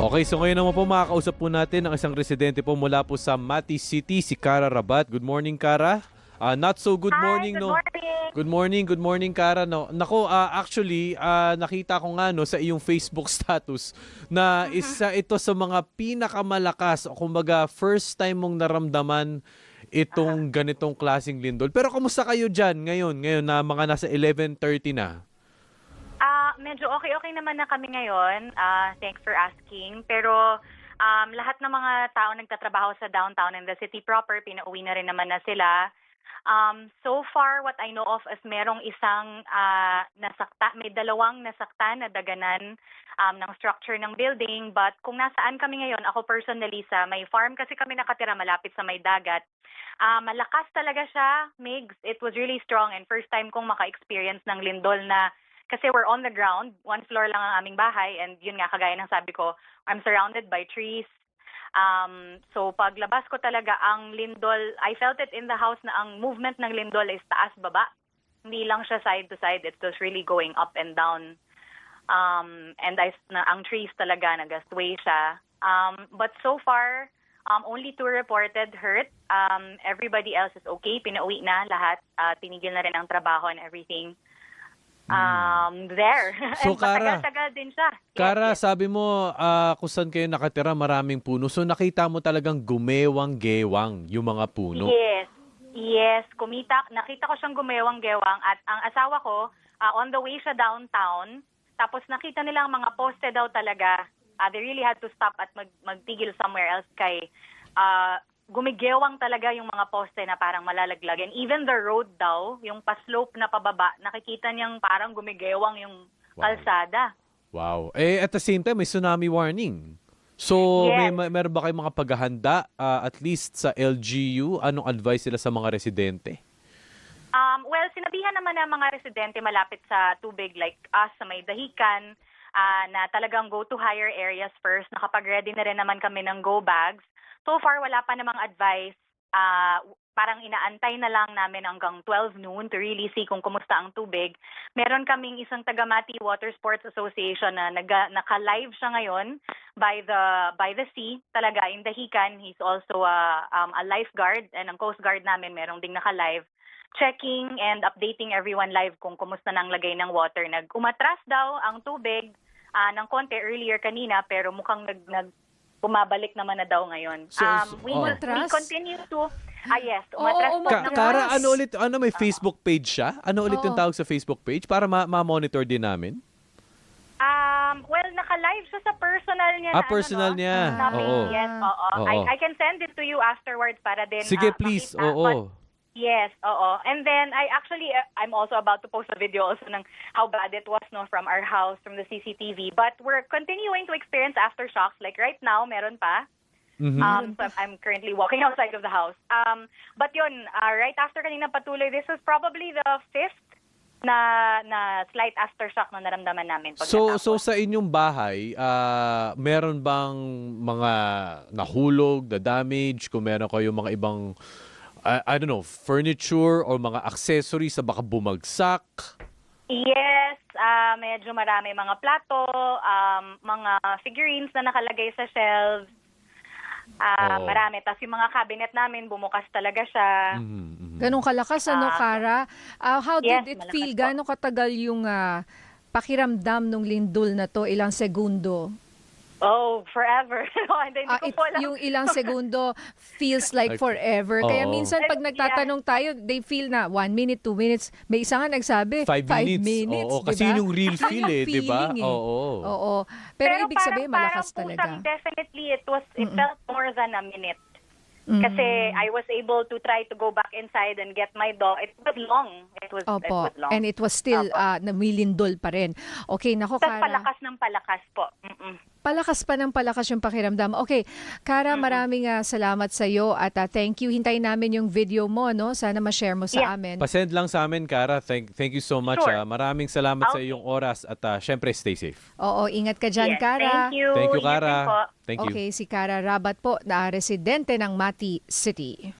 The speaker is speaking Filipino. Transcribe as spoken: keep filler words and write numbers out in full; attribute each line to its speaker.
Speaker 1: Okay, so ngayon naman po makakausap po natin ang isang residente po mula po sa Mati City, si Cara Rabat. Good morning, Cara. Ah, not so good
Speaker 2: Hi,
Speaker 1: morning,
Speaker 2: good
Speaker 1: no.
Speaker 2: morning.
Speaker 1: Good morning, good morning, Cara, no. Nako, ah, actually, ah, nakita ko nga no sa iyong Facebook status na isa ito sa mga pinakamalakas o kumbaga first time mong naramdaman itong ganitong klaseng lindol. Pero kamusta kayo diyan ngayon, ngayon na mga nasa eleven thirty na?
Speaker 2: Ah, medyo okay-okay naman na kami ngayon. Ah, thanks for asking. Pero um, lahat ng mga tao nagtatrabaho sa downtown and the city proper, pinauwi na rin naman na sila. Um, so far, what I know of is merong isang ah, nasakta, may dalawang nasakta na daganan um, ng structure ng building. But kung nasaan kami ngayon, ako personally sa may farm kasi kami nakatira malapit sa may dagat. Ah, malakas talaga siya, Migs. It was really strong and first time kong maka-experience ng lindol na kasi we're on the ground, one floor lang ang aming bahay, and yun nga, kagaya ng sabi ko, I'm surrounded by trees. Um, so paglabas ko talaga, ang lindol, I felt it in the house na ang movement ng lindol is taas-baba. Hindi lang siya side to side, it was really going up and down. Um, and I, na, ang trees talaga, nag-sway siya. Um, but so far, um, only two reported hurt. Um, everybody else is okay, pinauwi na lahat, uh, tinigil na rin ang trabaho and everything. Um, there.
Speaker 1: So,
Speaker 2: And
Speaker 1: Cara,
Speaker 2: matagal-tagal din siya. Yes,
Speaker 1: Cara,
Speaker 2: yes.
Speaker 1: sabi mo ah, kung saan kayo nakatira, maraming puno. So nakita mo talagang gumewang-gewang yung mga puno.
Speaker 2: Yes. Yes. Kumita, nakita ko siyang gumewang-gewang at ang asawa ko, ah, on the way siya downtown, tapos nakita nila ang mga poste daw talaga. Ah, they really had to stop at mag magtigil somewhere else kay ah, gumigewang talaga yung mga poste na parang malalaglag. And even the road daw, yung pa-slope na pababa, nakikita niyang parang gumigewang yung
Speaker 1: Wow.
Speaker 2: kalsada.
Speaker 1: Wow. Eh, at the same time, may tsunami warning. So, may,
Speaker 2: Yes.
Speaker 1: may meron ba kayong mga paghahanda, ah, at least sa L G U? Anong advice nila sa mga residente?
Speaker 2: Um, well, sinabihan naman ng mga residente malapit sa tubig like us sa may dahikan ah, na talagang go to higher areas first. Nakapag-ready na rin naman kami ng go bags. So far, wala pa namang advice. Ah, parang inaantay na lang namin hanggang twelve noon to really see kung kumusta ang tubig. Meron kaming isang Tagamati Water Sports Association na naga, naka-live siya ngayon by the by the sea. Talaga, in Dahican, he's also a, um, a lifeguard and ang Coast Guard namin merong ding naka-live checking and updating everyone live kung kumusta nang lagay ng water. Nag-umatras daw ang tubig ah, ng konti earlier kanina pero mukhang nag, nag bumabalik naman na daw ngayon.
Speaker 1: So,
Speaker 2: um,
Speaker 1: so-
Speaker 2: we
Speaker 1: oh.
Speaker 2: will we
Speaker 3: Umatras?
Speaker 2: continue to ah yes,
Speaker 3: Oo,
Speaker 2: umatras po
Speaker 3: umatras.
Speaker 1: Ka-
Speaker 2: ng-
Speaker 1: Cara, ano ulit, ano may Facebook page siya? Ano ulit yung
Speaker 3: Oo.
Speaker 1: tawag sa Facebook page? Para ma- ma-monitor din namin?
Speaker 2: Um, well, naka-live siya sa personal niya.
Speaker 1: Ah,
Speaker 2: na,
Speaker 1: personal
Speaker 2: ano, no,
Speaker 1: niya.
Speaker 2: na page.
Speaker 1: Oo.
Speaker 2: Yes, oo.
Speaker 1: Oo.
Speaker 2: I, I can send it to you afterwards para din
Speaker 1: Sige,
Speaker 2: ah,
Speaker 1: please.
Speaker 2: makita. But
Speaker 1: Oo.
Speaker 2: yes, oo. And then I actually uh, I'm also about to post a video also ng how bad it was no from our house from the C C T V. But we're continuing to experience aftershocks. Like right now, meron pa.
Speaker 1: Mhm.
Speaker 2: Um, so I'm currently walking outside of the house. Um, but yun, uh, right after kanina patuloy, this is probably the fifth na na slight aftershock na naramdaman namin. Pag
Speaker 1: So,
Speaker 2: natapos.
Speaker 1: so sa inyong bahay, ah, meron bang mga nahulog, the damage, kung meron kayong mga ibang, I, I don't know, furniture or mga accessories na baka bumagsak?
Speaker 2: Yes, ah medyo marami mga plato, um, mga figurines na nakalagay sa shelves. Ah,
Speaker 1: Oo.
Speaker 2: marami. Tapos yung mga cabinet namin, bumukas talaga siya.
Speaker 1: Mhm, mhm.
Speaker 3: Ganong kalakas, ano,
Speaker 2: Ah,
Speaker 3: Cara? Ah, how
Speaker 2: yes,
Speaker 3: did it
Speaker 2: malakas
Speaker 3: feel?
Speaker 2: po.
Speaker 3: Gano'ng katagal yung ah, pakiramdam ng lindol na to? Ilang segundo?
Speaker 2: Oh, forever. Hindi, hindi
Speaker 3: Ah,
Speaker 2: ko
Speaker 3: it-
Speaker 2: po alam.
Speaker 3: yung ilang segundo feels like
Speaker 1: Like,
Speaker 3: forever. Kaya
Speaker 1: oo.
Speaker 3: minsan pag
Speaker 2: Yeah.
Speaker 3: nagtatanong tayo, they feel na one minute, two minutes. May isa nga nagsabi,
Speaker 1: Five minutes. Oo,
Speaker 3: di
Speaker 1: kasi
Speaker 3: ba?
Speaker 1: yun yung real
Speaker 3: Yun
Speaker 1: feel eh, di ba?
Speaker 3: feeling eh.
Speaker 1: Oo.
Speaker 3: Oo. Pero, ibig
Speaker 2: parang-
Speaker 3: sabihin, malakas
Speaker 2: parang
Speaker 3: talaga.
Speaker 2: pusang definitely, it was, it
Speaker 3: Mm-mm.
Speaker 2: felt more than a minute.
Speaker 3: Mm.
Speaker 2: Kasi I was able to try to go back inside and get my dog. It was long. It was, it
Speaker 3: Opo.
Speaker 2: was long.
Speaker 3: And it was still
Speaker 2: Opo.
Speaker 3: ah, namilindol pa rin. Okay, nako,
Speaker 2: Tapos
Speaker 3: Cara.
Speaker 2: palakas ng palakas po. Mm-mm.
Speaker 3: Palakas pa ng palakas yung pakiramdam. Okay, Cara, maraming ah, salamat sa iyo at ah, thank you. Hintayin namin yung video mo, no? Sana ma-share mo sa
Speaker 2: Yeah.
Speaker 3: amin.
Speaker 1: Pasend lang sa amin, Cara. Thank, thank you so much.
Speaker 2: Sure.
Speaker 1: ah. Maraming salamat sa
Speaker 2: Okay.
Speaker 1: iyong oras at ah, syempre, stay safe.
Speaker 3: Oo, ingat ka dyan,
Speaker 2: Yes,
Speaker 3: Cara.
Speaker 2: thank you.
Speaker 1: Thank you,
Speaker 2: Ingat din
Speaker 1: Cara.
Speaker 2: po.
Speaker 1: Thank you.
Speaker 3: Okay, si Cara Rabat po, na residente ng Mati City.